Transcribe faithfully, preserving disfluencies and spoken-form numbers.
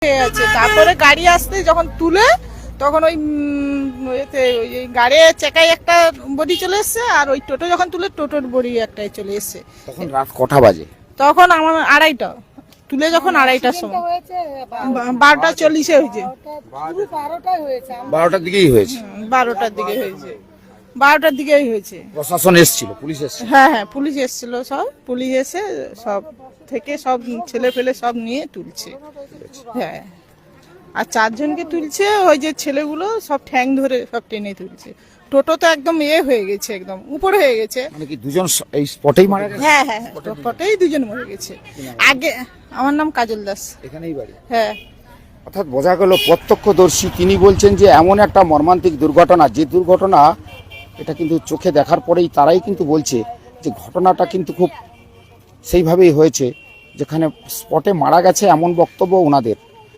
আছে। তারপরে গাড়ি আসতে যখন তুলে তখন ওই উম, এতে ওই গাড়ি চেকায় একটা বডি চলে এসছে, আর ওই টোটো যখন তুলে টোটোর বডি একটাই চলে এসছে। তখন রাত কটা বাজে? তখন আমার আড়াইটা তুলে যখন আড়াইটার সময় বা- বারোটা চল্লিশে হয়েছে। বারোটার দিকেই হয়েছে। হুম, বারোটার দিকে হয়েছে, বারোটার দিকেই হয়েছে। প্রশাসন এসেছিল, পুলিশ এসেছিল? হ্যাঁ হ্যাঁ পুলিশ এসেছিল, সব পুলিশ এসে সব থেকে সব ছেলে ফেলে সব নিয়ে তুলছে। হ্যাঁ, আর চারজনকে তুলছে, ওই যে ছেলেগুলো সব ঠ্যাং ধরে সব টেনে তুলছে। টোটো তো একদম এ হয়ে গেছে, একদম উপরে হয়ে গেছে। মানে কি দুজন স- এই স্পটেই মারা গেছে? হ্যাঁ হ্যাঁ টোটোতেই দুজন মরে গেছে। আগে আমার নাম কাজল দাস। এখানেই বাড়ি? হ্যাঁ, অর্থাৎ বোঝা গেল প্রত্যক্ষদর্শী তিনি বলছেন যে এমন একটা মর্মান্তিক দুর্ঘটনা, যে দুর্ঘটনা এটা কিন্তু চোখে দেখার পরেই তারাই কিন্তু বলছে যে ঘটনাটা কিন্তু খুব সেইভাবেই হয়েছে, যেখানে স্পটে মারা গেছে এমন বক্তব্য ওনাদের।